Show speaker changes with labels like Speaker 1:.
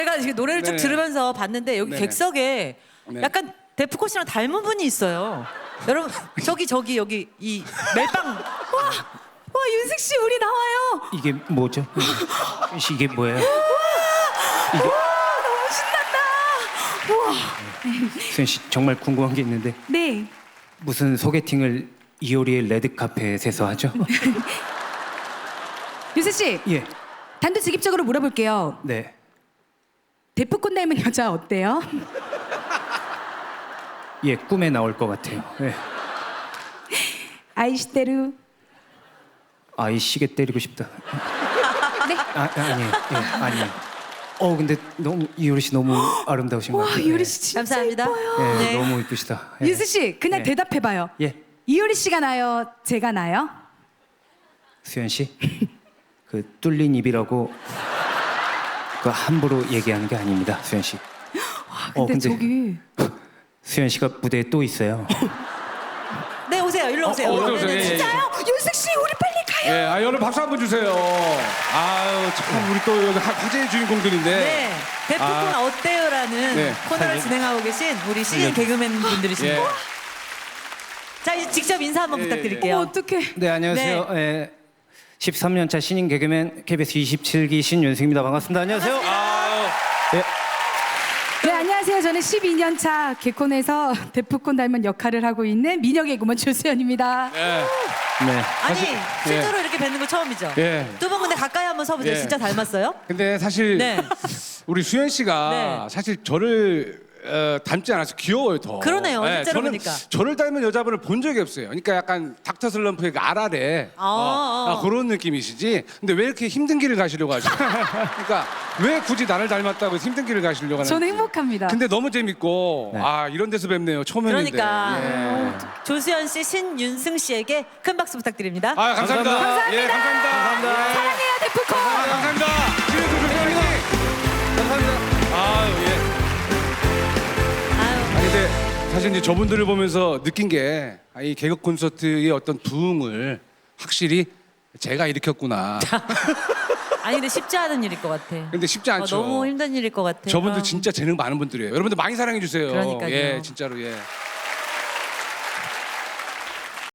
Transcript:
Speaker 1: 제가 지금 노래를 쭉
Speaker 2: 네네.
Speaker 1: 들으면서 봤는데 여기
Speaker 2: 네네.
Speaker 1: 객석에
Speaker 2: 네.
Speaker 1: 약간 데프콘 씨랑 닮은 분이 있어요. 여러분 저기 여기 이 멜빵 와 윤식 씨 우리 나와요.
Speaker 3: 이게 뭐죠? 이게 뭐예요?
Speaker 1: 너무 신난다. 우와.
Speaker 3: 수현 씨 정말 궁금한 게 있는데
Speaker 4: 네.
Speaker 3: 무슨 소개팅을 이효리의 레드 카펫에서 하죠?
Speaker 4: 유세 씨,
Speaker 3: 예,
Speaker 4: 단도직입적으로 물어볼게요.
Speaker 3: 네.
Speaker 4: 데프콘 닮은 여자 어때요?
Speaker 3: 예, 꿈에 나올 것 같아요. 예.
Speaker 4: 아이시테루.
Speaker 3: 아이 시계 때리고 싶다.
Speaker 4: 네.
Speaker 3: 아니에요. 예, 아니에요. 근데 너무 이효리 씨 너무 아름다우신 것
Speaker 4: 와,
Speaker 3: 같아요.
Speaker 4: 이효리 씨 진짜
Speaker 1: 감사합니다.
Speaker 4: 예뻐요.
Speaker 3: 예,
Speaker 1: 네.
Speaker 3: 너무 이쁘시다. 예.
Speaker 4: 유세 씨, 그냥
Speaker 3: 예.
Speaker 4: 대답해봐요.
Speaker 3: 예,
Speaker 4: 이효리 씨가 나요? 제가 나요?
Speaker 3: 수현 씨, 그 뚫린 입이라고 그 함부로 얘기하는 게 아닙니다, 수현 씨.
Speaker 4: 근데 저기
Speaker 3: 수현 씨가 무대에 또 있어요.
Speaker 1: 네 오세요. 일로 오세요.
Speaker 2: 어서
Speaker 1: 네,
Speaker 2: 오세요.
Speaker 1: 네,
Speaker 2: 예,
Speaker 1: 진짜.
Speaker 4: 진짜요? 윤식 씨, 우리 빨리 가요.
Speaker 2: 예, 여러분 박수 한번 주세요. 아유, 참 우리 또 여기 화제의 주인공들인데.
Speaker 1: 네. 데프콘
Speaker 2: 아.
Speaker 1: 어때요라는
Speaker 2: 네.
Speaker 1: 코너를 진행하고 계신 우리 신인 개그맨 분들이십니다.
Speaker 2: 예.
Speaker 1: 자 이제 직접 인사 한번
Speaker 2: 예,
Speaker 1: 부탁드릴게요.
Speaker 4: 어떡해.
Speaker 3: 네, 안녕하세요. 예, 13년차 신인 개그맨 KBS 27기 신윤승입니다. 반갑습니다. 안녕하세요.
Speaker 2: 아유,
Speaker 3: 예,
Speaker 4: 네, 안녕하세요. 저는 12년 차 개콘에서 데프콘 닮은 역할을 하고 있는 미녀 개그맨 조수연입니다.
Speaker 2: 예.
Speaker 3: 네.
Speaker 1: 아니
Speaker 2: 사실-
Speaker 1: 실제로 이렇게 뵙는 거 처음이죠?
Speaker 2: 예.
Speaker 1: 두 분 근데 가까이 한번 서보세요.
Speaker 2: 예.
Speaker 1: 진짜 닮았어요?
Speaker 2: 근데 사실
Speaker 1: 네.
Speaker 2: 우리 수현 씨가
Speaker 1: 네.
Speaker 2: 사실 저를 닮지 않아서 귀여워요 더.
Speaker 1: 그러네요. 실제로
Speaker 2: 저는
Speaker 1: 보니까.
Speaker 2: 저를 닮은 여자분을 본 적이 없어요. 그러니까 약간 닥터 슬럼프의 그 아라레 그런 느낌이시지. 근데 왜 이렇게 힘든 길을 가시려고 하죠? 그러니까 왜 굳이 나를 닮았다고 해서 힘든 길을 가시려고 하는지.
Speaker 4: 저는 행복합니다.
Speaker 2: 근데 너무 재밌고
Speaker 3: 네.
Speaker 2: 이런 데서 뵙네요. 처음 했는데.
Speaker 1: 그러니까
Speaker 2: 예.
Speaker 1: 조수연 씨, 신윤승 씨에게 큰 박수 부탁드립니다.
Speaker 2: 감사합니다.
Speaker 4: 감사합니다.
Speaker 2: 예, 감사합니다. 예.
Speaker 4: 사랑해요, 데프콘.
Speaker 2: 감사합니다. 감사합니다. 감사합니다. 아유, 예.
Speaker 1: 아유,
Speaker 2: 근데 사실 이제 저분들을 보면서 느낀 게 이 개그 콘서트의 어떤 부흥을 확실히 제가 일으켰구나.
Speaker 1: 아니 근데 쉽지 않은 일일 것 같아.
Speaker 2: 근데 쉽지 않죠.
Speaker 1: 너무 힘든 일일 것 같아.
Speaker 2: 저분들 진짜 재능 많은 분들이에요. 여러분들 많이 사랑해 주세요.
Speaker 1: 그러니까요.
Speaker 2: 예, 진짜로 예.